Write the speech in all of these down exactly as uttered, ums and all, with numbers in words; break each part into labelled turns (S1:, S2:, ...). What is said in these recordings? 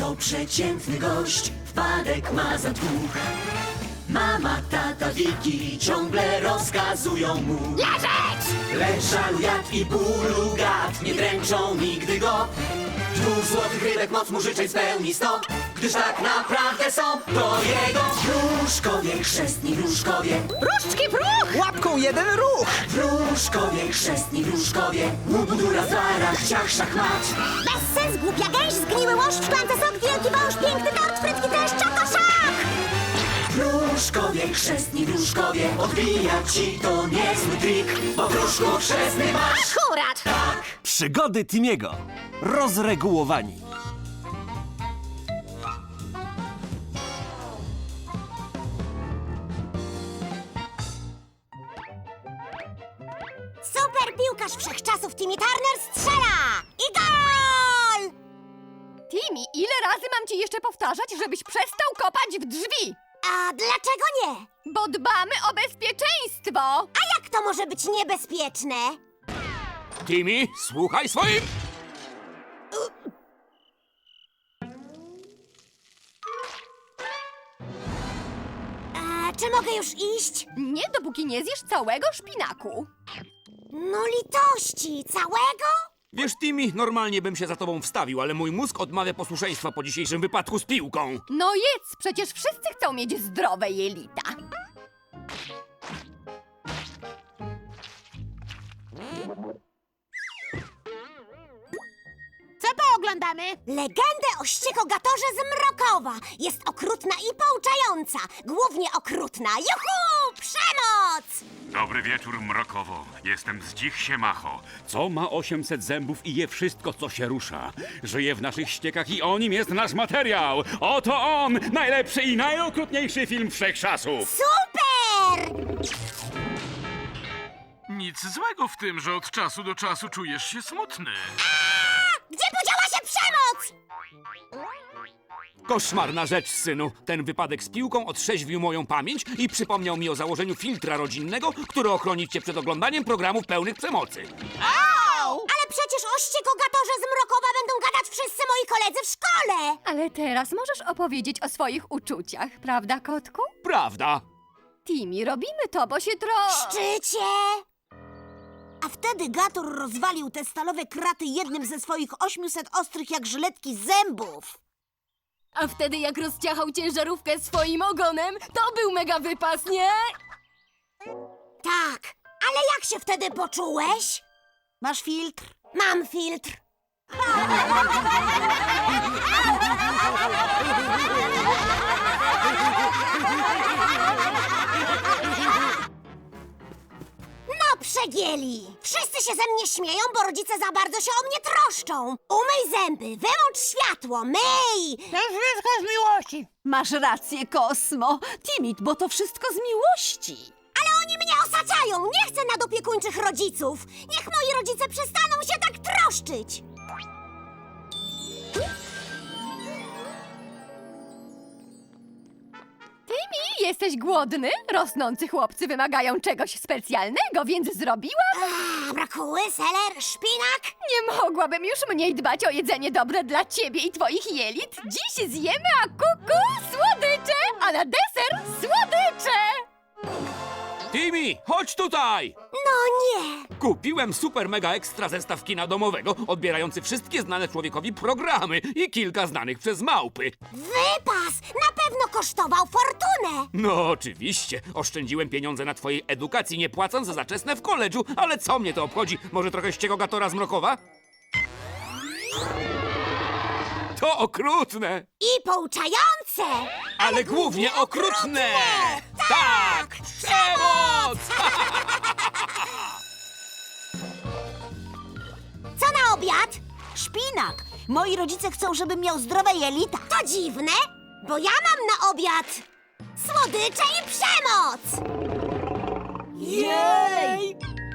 S1: to przeciętny gość, wpadek ma za dwóch. Mama, tata, Wiki ciągle rozkazują mu
S2: Leżeć!
S1: lecz żalu, jad i bólu gad nie dręczą nigdy go. Dwóch złotych rybek moc mu życzeń spełni sto, gdyż tak naprawdę są to jego wróżkowie, chrzestni wróżkowie.
S2: Różdżki w ruch!
S3: Łapką jeden ruch!
S1: Wróżkowie, chrzestni wróżkowie, łubudura, zarach, ciach, szachmat.
S2: Bez sens, głupia gęś, zgniły łoszcz, szklance sok, wielki wąż, piękny tort, frytki też, czakoszak!
S1: Wróżkowie, chrzestni wróżkowie, odbija ci to niezły trik, bo wróżku chrzestny masz.
S2: Akurat!
S1: Tak.
S4: Przygody Timiego. Rozregułowani.
S2: Super piłkarz wszechczasów Timmy Turner strzela! I gol!
S5: Timmy, ile razy mam ci jeszcze powtarzać, żebyś przestał kopać w drzwi?
S2: A dlaczego nie?
S5: Bo dbamy o bezpieczeństwo!
S2: A jak to może być niebezpieczne?
S6: Timmy, słuchaj swoim!
S2: A czy mogę już iść?
S5: Nie, dopóki nie zjesz całego szpinaku.
S2: No litości, całego?
S6: Wiesz, Timmy, normalnie bym się za tobą wstawił, ale mój mózg odmawia posłuszeństwa po dzisiejszym wypadku z piłką.
S5: No jedz, przecież wszyscy chcą mieć zdrowe jelita.
S2: Co pooglądamy? Legendę o ściekogatorze z Mrokowa. Jest okrutna i pouczająca. Głównie okrutna. Juhu! Przemoc!
S7: Dobry wieczór, Mrokowo. Jestem z Dzich Siemacho.
S6: Co ma osiemset zębów i je wszystko, co się rusza? Żyje w naszych ściekach i o nim jest nasz materiał. Oto on! Najlepszy i najokrutniejszy film wszechczasów.
S2: Super!
S7: Nic złego w tym, że od czasu do czasu czujesz się smutny.
S2: Gdzie podziała się przemoc?
S6: Koszmarna rzecz, synu. Ten wypadek z piłką otrzeźwił moją pamięć i przypomniał mi o założeniu filtra rodzinnego, który ochroni cię przed oglądaniem programów pełnych przemocy.
S2: Ale przecież o ściekogatorze z Mrokowa będą gadać wszyscy moi koledzy w szkole.
S5: Ale teraz możesz opowiedzieć o swoich uczuciach, prawda, kotku?
S6: Prawda?
S5: Timmy, robimy to, bo się tro...
S2: Szczycie! A wtedy Gator rozwalił te stalowe kraty jednym ze swoich ośmiuset ostrych jak żyletki zębów.
S5: A wtedy jak rozciachał ciężarówkę swoim ogonem, to był mega wypas, nie?
S2: Tak, ale jak się wtedy poczułeś? Masz filtr? Mam filtr. No przegięli! Wszyscy się ze mnie śmieją, bo rodzice za bardzo się o mnie troszczą. Umyj zęby, wyłącz światło, myj!
S8: To wszystko z miłości. Masz rację, Kosmo. Timid, bo to wszystko z miłości.
S2: Ale oni mnie osaczają! Nie chcę nadopiekuńczych rodziców! Niech moi rodzice przestaną się tak troszczyć!
S5: Timmy, jesteś głodny? Rosnący chłopcy wymagają czegoś specjalnego, więc zrobiłam...
S2: A, brakuły, seler, szpinak?
S5: Nie mogłabym już mniej dbać o jedzenie dobre dla ciebie i twoich jelit. Dziś zjemy a kuku słodycze, a na deser słodycze!
S6: Timmy, chodź tutaj!
S2: No nie!
S6: Kupiłem super mega ekstra zestaw kina domowego, odbierający wszystkie znane człowiekowi programy i kilka znanych przez małpy.
S2: Wypas! Na pewno kosztował fortunę!
S6: No oczywiście, oszczędziłem pieniądze na twojej edukacji, nie płacąc za zaczesne w koledżu, ale co mnie to obchodzi? Może trochę ściekogatora z Mrokowa? To okrutne!
S2: I pouczające!
S6: Ale głównie okrutne! Tak! Przemoc!
S2: Co na obiad?
S8: Szpinak. Moi rodzice chcą, żebym miał zdrowe jelita.
S2: To dziwne, bo ja mam na obiad słodycze i przemoc!
S8: Jej!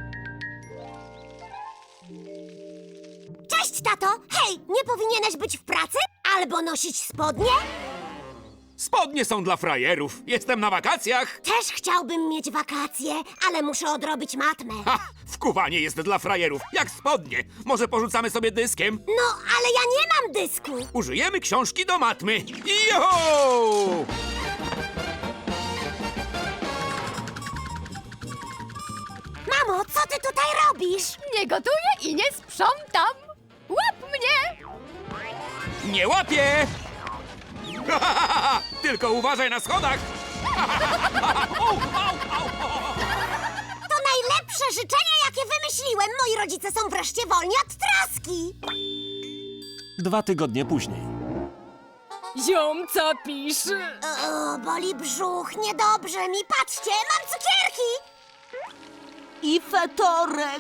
S2: Cześć, tato! Hej, nie powinieneś być w pracy? Albo nosić spodnie?
S6: Spodnie są dla frajerów. Jestem na wakacjach.
S2: Też chciałbym mieć wakacje, ale muszę odrobić matmę.
S6: Ha!
S3: Wkuwanie jest dla frajerów, jak spodnie. Może porzucamy sobie dyskiem?
S2: No, ale ja nie mam dysku.
S3: Użyjemy książki do matmy. Joho!
S2: Mamo, co ty tutaj robisz?
S5: Nie gotuję i nie sprzątam. Łap mnie!
S3: Nie łapię! Tylko uważaj na schodach!
S2: To najlepsze życzenie, jakie wymyśliłem. Moi rodzice są wreszcie wolni od traski.
S4: Dwa tygodnie później.
S5: Ziom, co pisze?
S2: O, boli brzuch, niedobrze mi. Patrzcie, mam cukierki.
S8: I fetorek.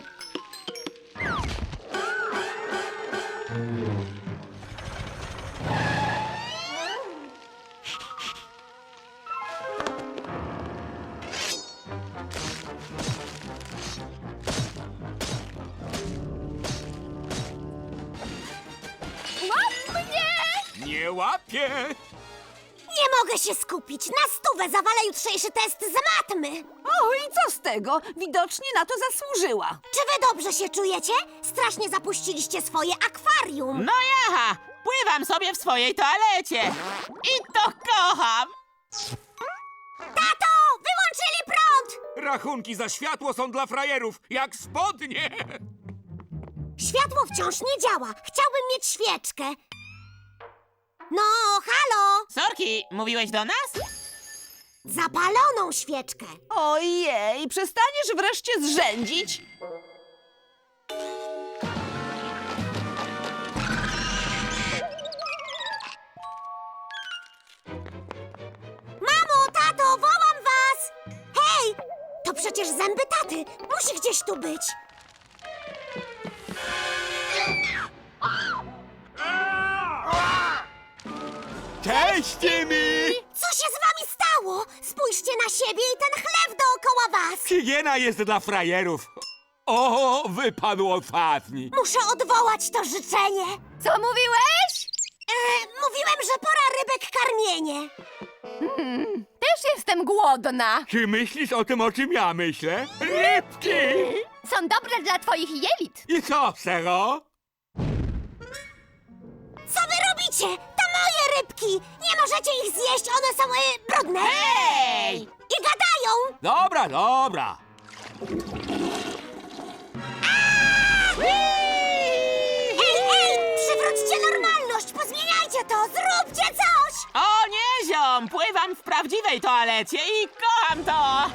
S5: Łap mnie!
S3: Nie łapię!
S2: Nie mogę się skupić. Na stówę zawalę jutrzejszy test z matmy.
S8: O, i co z tego? Widocznie na to zasłużyła.
S2: Czy wy dobrze się czujecie? Strasznie zapuściliście swoje akwarium.
S9: No jaha, pływam sobie w swojej toalecie. I to kocham.
S2: Tato, wyłączyli prąd!
S3: Rachunki za światło są dla frajerów, jak spodnie!
S2: Światło wciąż nie działa. Chciałbym mieć świeczkę. No, halo!
S9: Sorki, mówiłeś do nas?
S2: Zapaloną świeczkę.
S8: Ojej, przestaniesz wreszcie zrzędzić?
S2: Mamo, tato, wołam was! Hej, to przecież zęby taty. Musi gdzieś tu być.
S3: Cześć, Timmy!
S2: Co się z wami stało? Spójrzcie na siebie i ten chleb dookoła was.
S3: Higiena jest dla frajerów. O, wypadł ostatni.
S2: Muszę odwołać to życzenie.
S5: Co mówiłeś?
S2: E, mówiłem, że pora rybek karmienie.
S5: Też jestem głodna.
S3: Czy myślisz o tym, o czym ja myślę? Rybki!
S5: Są dobre dla twoich jelit.
S3: I co, Sero?
S2: Co wy robicie? To moje rybki. Nie możecie ich zjeść, one są y, brudne.
S9: Hej!
S2: I gadają.
S3: Dobra, dobra.
S2: Ej, ej, przywróćcie normalność, pozmieniajcie to, zróbcie coś.
S9: O nie, ziom, pływam w prawdziwej toalecie i kocham to.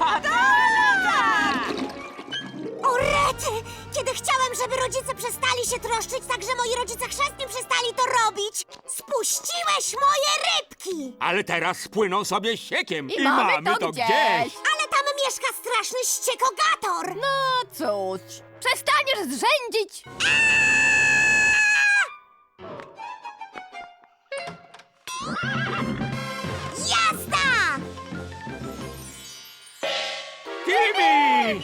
S2: O rety! Kiedy chciałem, żeby rodzice przestali się troszczyć, tak że moi rodzice chrzestni przestali to robić, spuściłeś moje rybki!
S3: Ale teraz spłyną sobie siekiem
S5: I mamy to gdzieś.
S2: Ale tam mieszka straszny ściekogator!
S5: No cóż, przestaniesz zrzędzić.
S2: Jazda!
S3: Timmy!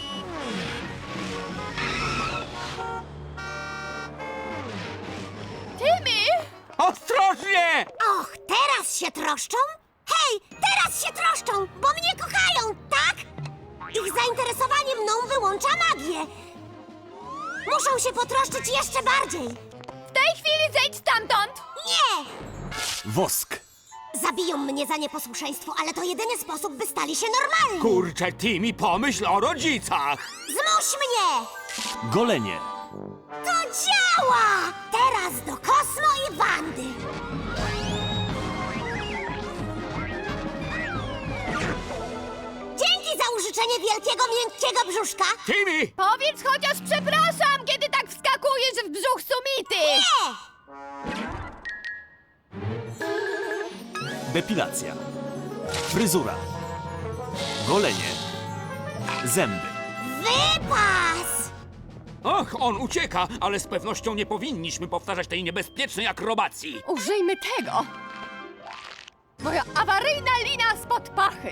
S5: Tymi!
S3: Ostrożnie!
S2: Och, teraz się troszczą? Hej, teraz się troszczą, bo mnie kochają, tak? Ich zainteresowanie mną wyłącza magię. Muszą się potroszczyć jeszcze bardziej.
S5: W tej chwili zejdź stamtąd.
S2: Nie!
S4: Wosk.
S2: Zabiją mnie za nieposłuszeństwo, ale to jedyny sposób, by stali się normalni.
S3: Kurczę, Timmy, pomyśl o rodzicach!
S2: Zmuś mnie!
S4: Golenie.
S2: To działa! Teraz do Kosmo i Wandy. Dzięki za użyczenie wielkiego, miękkiego brzuszka.
S3: Timmy!
S5: Powiedz chociaż przepraszam, kiedy tak wskakujesz w brzuch sumity.
S2: Nie!
S4: Depilacja. Fryzura. Golenie. Zęby.
S2: Wypas!
S3: Och, on ucieka, ale z pewnością nie powinniśmy powtarzać tej niebezpiecznej akrobacji.
S5: Użyjmy tego. Moja awaryjna lina spod pachy.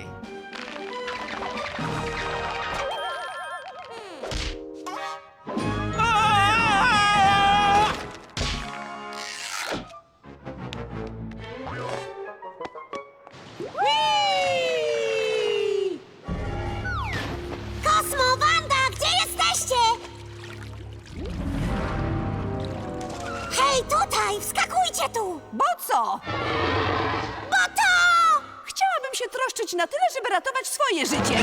S2: Kosmo, Wanda, gdzie jesteście? Hej, tutaj! Wskakujcie tu!
S8: Bo co?
S2: Bo to...
S8: Chciałabym się troszczyć na tyle, żeby ratować swoje życie.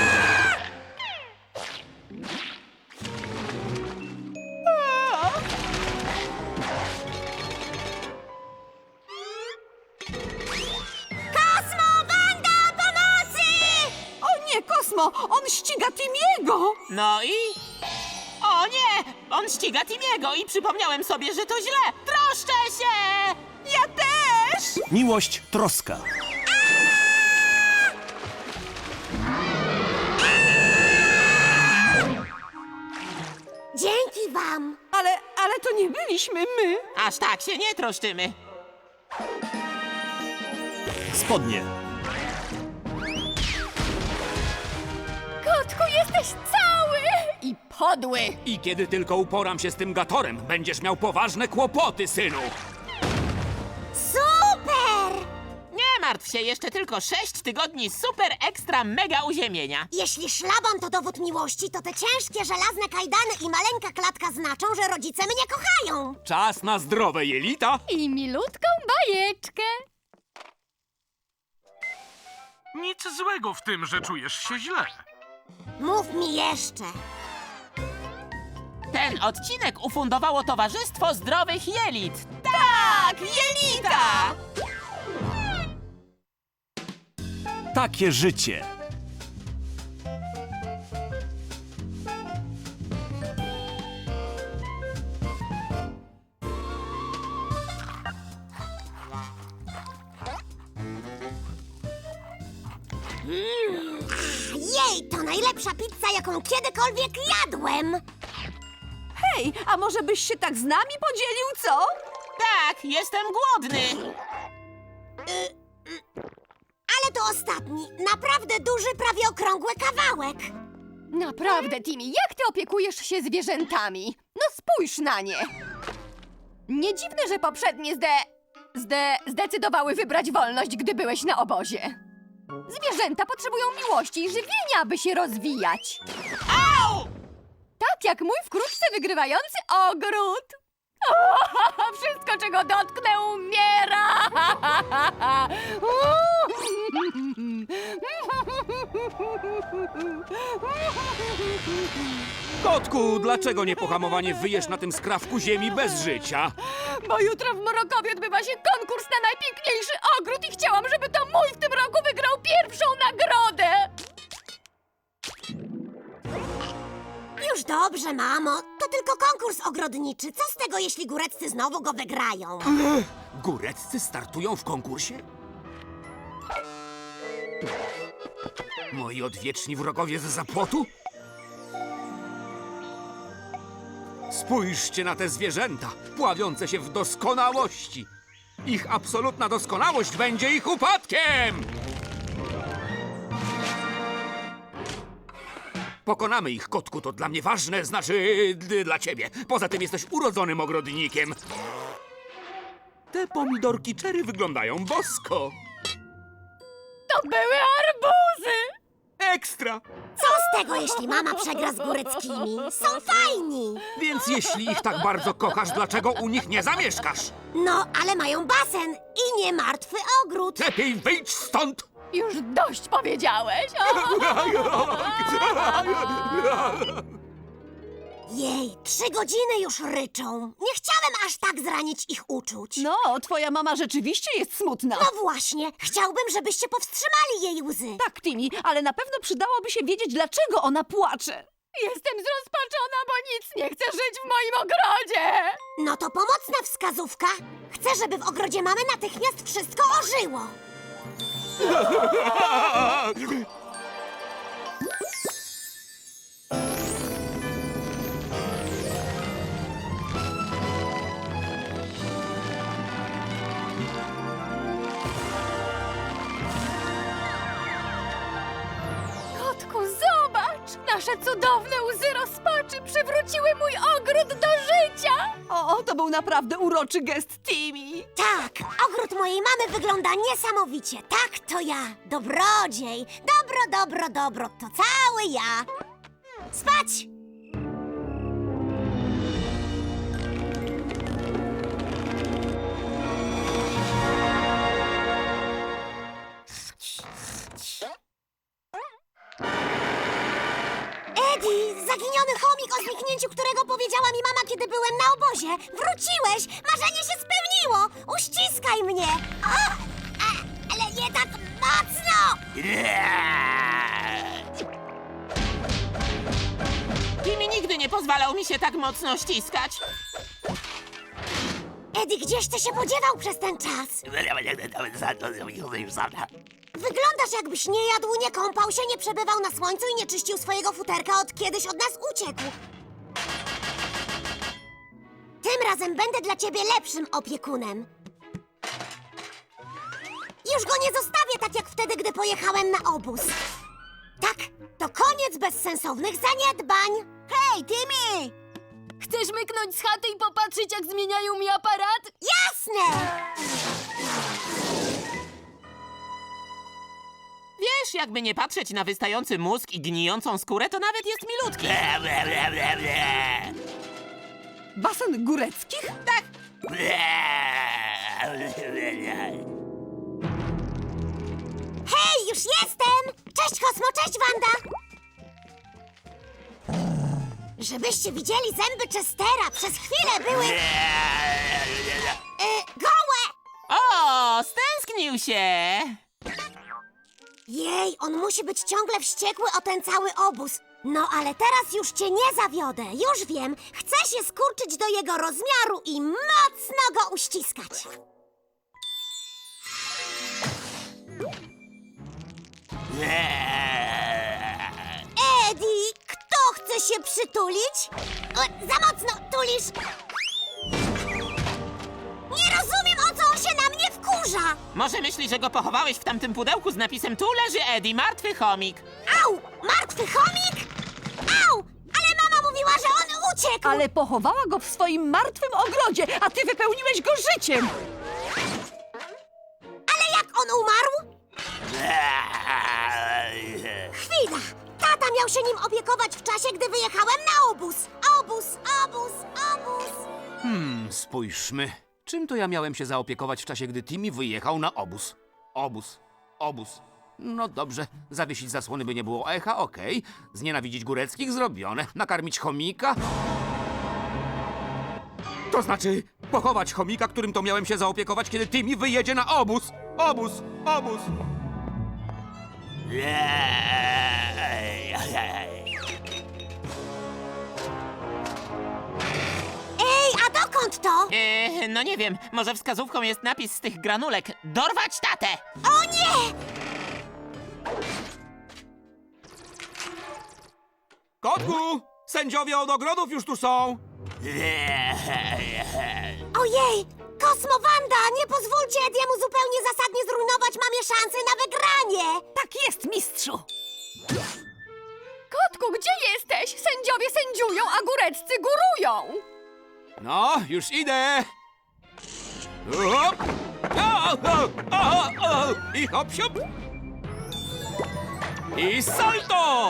S2: Kosmo, Wanda, pomocy!
S8: O nie, Kosmo! On ściga Timiego!
S9: No i... O nie! On ściga Timiego i przypomniałem sobie, że to źle! Troszczę się!
S8: Ja też!
S4: Miłość, troska.
S2: Dzięki wam!
S8: Ale, ale to nie byliśmy my.
S9: Aż tak się nie troszczymy.
S4: Spodnie.
S5: Kotku, jesteś cały i podły.
S3: I kiedy tylko uporam się z tym gatorem, będziesz miał poważne kłopoty, synu.
S2: Super!
S9: Nie martw się, jeszcze tylko sześć tygodni super ekstra mega uziemienia.
S2: Jeśli szlaban to dowód miłości, to te ciężkie żelazne kajdany i maleńka klatka znaczą, że rodzice mnie kochają.
S3: Czas na zdrowe jelita.
S5: I milutką bajeczkę.
S7: Nic złego w tym, że czujesz się źle.
S2: Mów mi jeszcze.
S9: Ten odcinek ufundowało Towarzystwo Zdrowych Jelit. Tak, jelita!
S4: Takie życie.
S2: Jej, to najlepsza pizza, jaką kiedykolwiek jadłem.
S8: Hej, a może byś się tak z nami podzielił, co?
S9: Tak, jestem głodny.
S2: Ale to ostatni, naprawdę duży, prawie okrągły kawałek.
S5: Naprawdę, Timmy, jak ty opiekujesz się zwierzętami? No spójrz na nie. Nie dziwne, że poprzednie zde... zde... zdecydowały wybrać wolność, gdy byłeś na obozie. Zwierzęta potrzebują miłości i żywienia, by się rozwijać.
S9: Au!
S5: Tak jak mój wkrótce wygrywający ogród. Wszystko, czego dotknę, umiera.
S3: Kotku, dlaczego niepohamowanie wyjesz na tym skrawku ziemi bez życia?
S5: Bo jutro w Mrokowie odbywa się konkurs na najpiękniejszy ogród i chciałam, żeby to mój w tym roku wygrał pierwszą nagrodę.
S2: Już dobrze, mamo. To tylko konkurs ogrodniczy. Co z tego, jeśli góreccy znowu go wygrają?
S3: Góreccy startują w konkursie? Moi odwieczni wrogowie z zapłotu? Spójrzcie na te zwierzęta, pławiące się w doskonałości. Ich absolutna doskonałość będzie ich upadkiem! Pokonamy ich, kotku, to dla mnie ważne, znaczy d- dla ciebie. Poza tym jesteś urodzonym ogrodnikiem. Te pomidorki cherry wyglądają bosko.
S5: To były arbuzy.
S3: Ekstra!
S2: Co z tego, jeśli mama przegra z góreckimi? Są fajni.
S3: Więc jeśli ich tak bardzo kochasz, dlaczego u nich nie zamieszkasz?
S2: No, ale mają basen i nie martwy ogród.
S3: Lepiej wyjdź stąd!
S5: Już dość powiedziałeś.
S2: Jej, trzy godziny już ryczą. Nie chciałem aż tak zranić ich uczuć.
S8: No, twoja mama rzeczywiście jest smutna.
S2: No właśnie, chciałbym, żebyście powstrzymali jej łzy.
S8: Tak, Timmy, ale na pewno przydałoby się wiedzieć, dlaczego ona płacze.
S5: Jestem zrozpaczona, bo nic nie chcę żyć w moim ogrodzie.
S2: No to pomocna wskazówka. Chcę, żeby w ogrodzie mamy natychmiast wszystko ożyło.
S5: Kotku, zobacz! Nasze cudowne łzy rozpaczy przywróciły mój ogród do życia!
S8: O, to był naprawdę uroczy gest Timmy.
S2: Tak, ogród mojej mamy wygląda niesamowicie. Tak, to ja, dobrodziej. Dobro, dobro, dobro, to cały ja. Spać! którego powiedziała mi mama, kiedy byłem na obozie. Wróciłeś! Marzenie się spełniło! Uściskaj mnie! O, a, ale nie tak mocno!
S9: Timmy nigdy nie pozwalał mi się tak mocno ściskać.
S2: Eddie, gdzieś ty się podziewał przez ten czas? Wyglądasz, jakbyś nie jadł, nie kąpał się, nie przebywał na słońcu i nie czyścił swojego futerka, od kiedyś od nas uciekł. Tym razem będę dla ciebie lepszym opiekunem. Już go nie zostawię tak jak wtedy, gdy pojechałem na obóz. Tak, to koniec bezsensownych zaniedbań.
S8: Hej, Timmy! Chcesz myknąć z chaty i popatrzeć, jak zmieniają mi aparat?
S2: Jasne!
S9: Wiesz, jakby nie patrzeć na wystający mózg i gnijącą skórę, to nawet jest milutki.
S8: Basen góreckich?
S9: Tak.
S2: Hej, już jestem! Cześć, Kosmo, cześć, Wanda! Żebyście widzieli zęby Chestera, przez chwilę były... Y, gołe!
S9: O, stęsknił się.
S2: Jej, on musi być ciągle wściekły o ten cały obóz. No, ale teraz już cię nie zawiodę. Już wiem, chcę się skurczyć do jego rozmiaru i mocno go uściskać. Eddie, kto chce się przytulić? O, za mocno tulisz. Nie rozumiem, o co on się na mnie wkurza.
S9: Może myśli, że go pochowałeś w tamtym pudełku z napisem "Tu leży Eddie, martwy chomik".
S2: Au! Martwy chomik? Au! Ale mama mówiła, że on uciekł!
S8: Ale pochowała go w swoim martwym ogrodzie, a ty wypełniłeś go życiem!
S2: Ale jak on umarł? Chwila! Tata miał się nim opiekować w czasie, gdy wyjechałem na obóz. Obóz, obóz, obóz.
S3: Hmm, spójrzmy. Czym to ja miałem się zaopiekować w czasie, gdy Timmy wyjechał na obóz? Obóz, obóz. No dobrze, zawiesić zasłony, by nie było echa, okej. Znienawidzić góreckich, zrobione. Nakarmić chomika? To znaczy, pochować chomika, którym to miałem się zaopiekować, kiedy Timmy wyjedzie na obóz. Obóz, obóz.
S2: Ej, a dokąd to?
S9: Eee, no nie wiem, może wskazówką jest napis z tych granulek. Dorwać tatę!
S2: O nie!
S3: Kotku, sędziowie od ogrodów już tu są.
S2: Ojej! Kosmo, Wanda, nie pozwólcie Ediemu zupełnie zasadnie zrujnować mamie szansy na wygranie!
S8: Tak jest, mistrzu!
S5: Kotku, gdzie jesteś? Sędziowie sędziują, a góreccy górują.
S3: No, już idę. O, o, o, o, o. I hop, siup. I salto!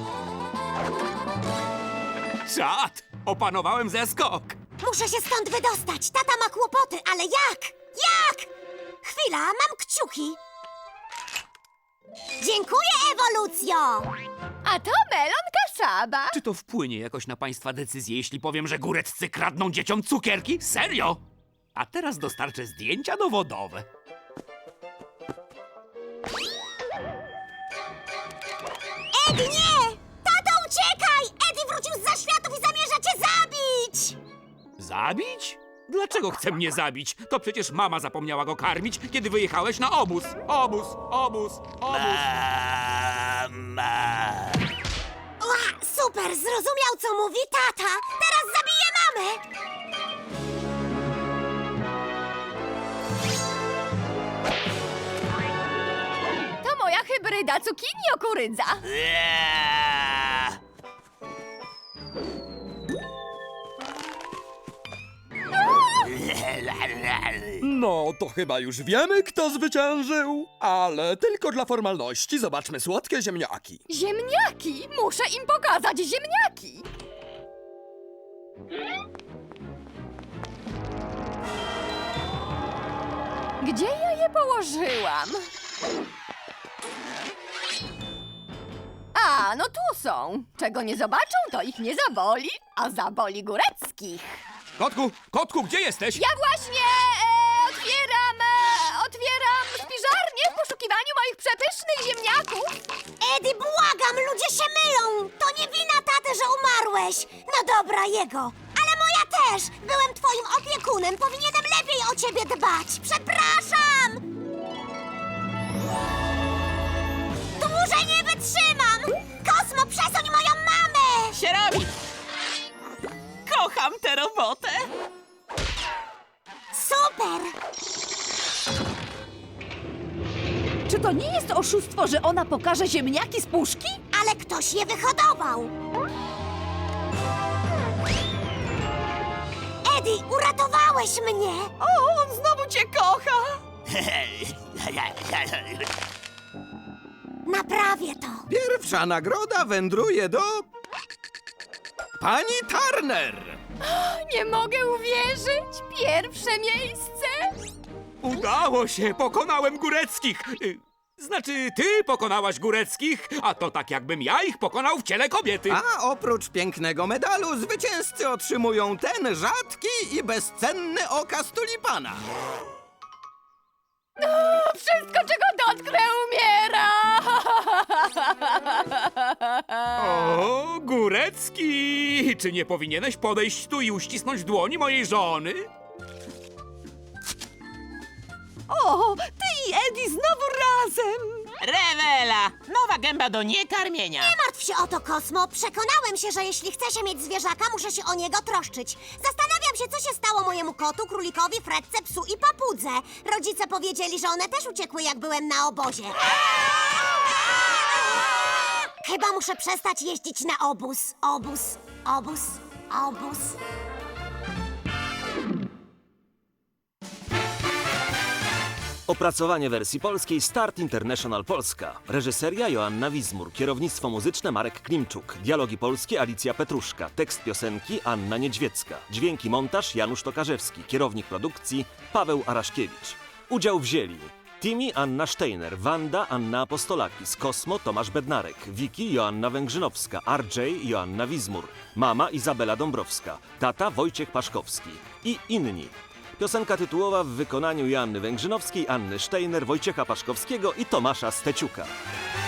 S3: Czad! Opanowałem zeskok.
S2: Muszę się stąd wydostać. Tata ma kłopoty, ale jak? Jak? Chwila, mam kciuki. Dziękuję, ewolucjo!
S5: A to melon kasaba.
S3: Czy to wpłynie jakoś na państwa decyzję, jeśli powiem, że góreccy kradną dzieciom cukierki? Serio? A teraz dostarczę zdjęcia dowodowe.
S2: Eddie, nie! Tato, uciekaj! Eddie wrócił z zaświatów i zamierza cię zabić!
S3: Zabić? Dlaczego chce mnie zabić? To przecież mama zapomniała go karmić, kiedy wyjechałeś na obóz. Obóz, obóz, obóz.
S2: Ła, super, zrozumiał, co mówi tata. Teraz zabiję mamę!
S5: To moja hybryda cukinio-kurydza.
S10: No, to chyba już wiemy, kto zwyciężył. Ale tylko dla formalności zobaczmy słodkie ziemniaki.
S5: Ziemniaki! Muszę im pokazać ziemniaki! Gdzie ja je położyłam? A, A, no tu są. Czego nie zobaczą, to ich nie zaboli, a zaboli Góreckich.
S3: Kotku, kotku, gdzie jesteś?
S5: Ja właśnie e, otwieram, e, otwieram spiżarnię w poszukiwaniu moich przepysznych ziemniaków.
S2: Eddie, błagam, ludzie się mylą! To nie wina taty, że umarłeś! No dobra, jego. Ale moja też! Byłem twoim opiekunem, powinienem lepiej o ciebie dbać! Przepraszam! Dłużej nie wytrzymam! Kosmo, przesuń moją mamę!
S9: Się robi! Kocham tę robotę!
S2: Super!
S8: Czy to nie jest oszustwo, że ona pokaże ziemniaki z puszki?
S2: Ale ktoś je wyhodował! Eddie, uratowałeś mnie!
S8: O, on znowu cię kocha!
S2: Naprawię to!
S10: Pierwsza nagroda wędruje do... Pani Turner!
S5: Nie mogę uwierzyć. Pierwsze miejsce.
S3: Udało się, pokonałem Góreckich. Y, Znaczy, ty pokonałaś Góreckich, a to tak jakbym ja ich pokonał w ciele kobiety.
S10: A oprócz pięknego medalu zwycięzcy otrzymują ten rzadki i bezcenny okaz tulipana.
S5: Wszystko, czego dotknę, umiera.
S3: O, Górecki! Czy nie powinieneś podejść tu i uścisnąć dłoni mojej żony?
S8: O, ty i Eddie znowu razem!
S9: Rewela! Nowa gęba do niekarmienia.
S2: Nie martw się o to, Kosmo. Przekonałem się, że jeśli chcę się mieć zwierzaka, muszę się o niego troszczyć. Zastanawiam się, co się stało mojemu kotu, królikowi, fretce, psu i papudze. Rodzice powiedzieli, że one też uciekły, jak byłem na obozie. Chyba muszę przestać jeździć na obóz. Obóz, obóz, obóz.
S4: Opracowanie wersji polskiej Start International Polska. Reżyseria Joanna Wizmur. Kierownictwo muzyczne Marek Klimczuk. Dialogi polskie Alicja Petruszka. Tekst piosenki Anna Niedźwiecka. Dźwięki montaż Janusz Tokarzewski. Kierownik produkcji Paweł Araszkiewicz. Udział wzięli Timi Anna Steiner, Wanda Anna Apostolakis, Kosmo Tomasz Bednarek, Wiki Joanna Węgrzynowska, R J Joanna Wizmur, mama Izabela Dąbrowska, tata Wojciech Paszkowski i inni. Piosenka tytułowa w wykonaniu Joanny Węgrzynowskiej, Anny Steiner, Wojciecha Paszkowskiego i Tomasza Steciuka.